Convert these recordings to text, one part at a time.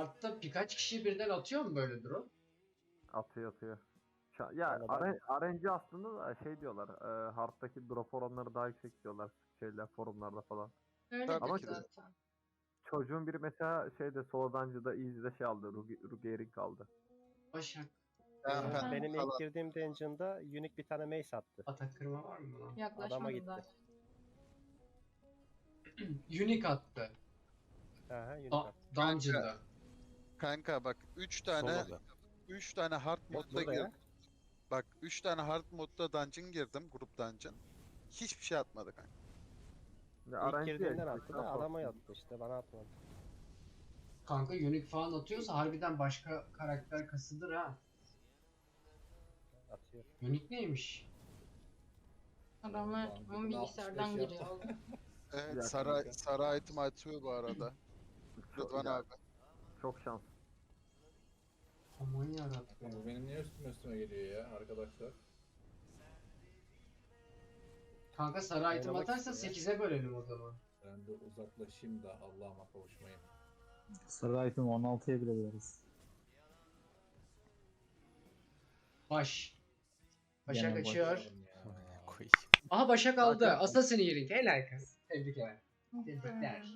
Hard'da birkaç kişi birden atıyor mu böyle drone? Atıyor. Ya RNG aslında da şey diyorlar. Hard'daki drop oranları daha yüksek diyorlar şeyler forumlarda falan. Öyledir Ama zaten. çocuğun biri mesela şeyde Solodancı'da Easy'de şey aldı. Rugeering aldı. Başak. Benim ilk girdiğim dungeon'da Unique bir tane mace attı. Atak kırma var mı lan? Adama Yaklaşmadı gitti. da. Unique attı. Aha, Unique attı. Dungeon'da. Kanka bak 3 tane hard modda Burada ya. girdim. Bak 3 tane hard modda dungeon girdim, grup dungeon. Hiçbir şey atmadı kanka. Ya İlk RNG girdiğimden ya, attı da adama yattı işte, bana atmadı. Kanka Unique falan atıyorsa harbiden başka karakter kasıdır ha. Atıyor. Unique neymiş? Adamlar onun bilgisayardan giriyor oğlum. Evet, Ya sarı item atıyor bu arada. Rıdvan ya, abi. çok şans. Aman yarabbim. Bu benim niye üstüme geliyor ya arkadaşlar? Kanka sarı item Oynamak atarsa istiyor 8'e bölelim o zaman. Ben de uzaklaşayım da Allah'ıma kavuşmayayım. Sarı item 16'ya bile veririz. Baş. Başak Gene baş. açıyor. Ya. Aha Başak aldı. Zaten- Assassin Earring. Helal kız. Tebrikler. Tebrikler.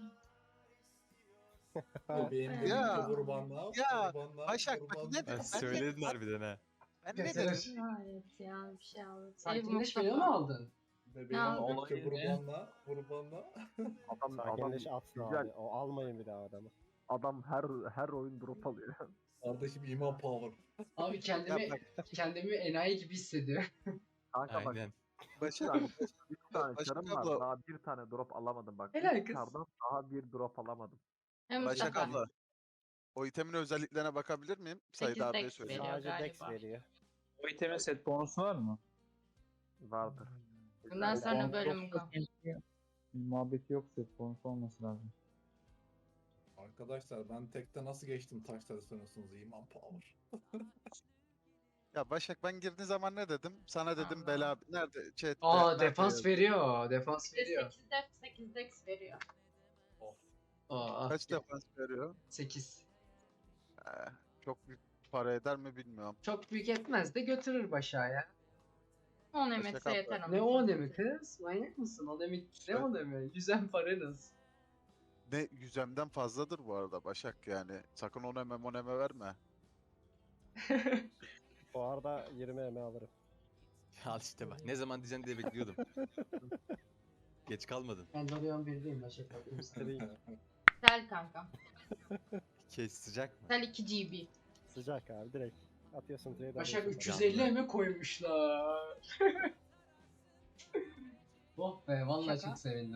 Bebeğim Ya. kurbanla. Ya. Kurbanla. Başak bak kurbanla. ne dedim? Söyledin harbiden ha. Ben ne Mesela dedim? Evet ya bir şey aldı. sakinleşmeyi mi aldın? Bebeğim Ne olayı kurbanla. Kurbanla. Adam Sakinleş atsın güzel. abi. O almayın bir daha adamı. Adam her oyun drop alıyor. Kardeşim iman power. Abi kendimi enayi gibi hissediyorum. Kanka bak Aynen. Başak, 3 tane Başak çarım var. abla. Daha bir tane drop alamadım bak. Helal Üç kız. çardan daha bir drop alamadım. Hem Başak Mustafa. abla. O itemin özelliklerine bakabilir miyim? Sayın 8 abiye dex söyleyeyim. veriyor Sadece dex galiba. veriyor. O itemin set bonusu var mı? Vardır. Bundan sonra Bonus bölüm yoksa kal. keşke muhabbeti yok, set bonusu olması lazım. Arkadaşlar ben tekte nasıl geçtim taşları sanıyorsunuz iman power. Ya Başak ben girdiğin zaman ne dedim? Sana dedim Allah. bela nerede chat? Aa defans veriyor. Defans veriyor. 8 def 8 dex veriyor. Of. Aa Kaç defans veriyor? 8. Çok büyük para eder mi bilmiyorum. Çok büyük etmez de götürür başa ya. 10 Başak emetse abla. yeter ama. Ne o mi kız? Manyak mısın? O demek ne o mi? Yüzen paranız. Ne yüzemden fazladır bu arada Başak yani. Sakın oneme verme. Bu arada 20 eme alırım. Al işte bak. Ne zaman diyeceksin diye bekliyordum. Geç kalmadın. Ben Dorian 1'deyim Başak bakayım sana. Free. Sel kankam. Kes sıcak mı? Sel 2 GB. Sıcak abi, direkt. Atıyorsun trade Başak alıyorsun. 350 mi koymuşlar? Oh be vallahi Şaka. çok sevindim.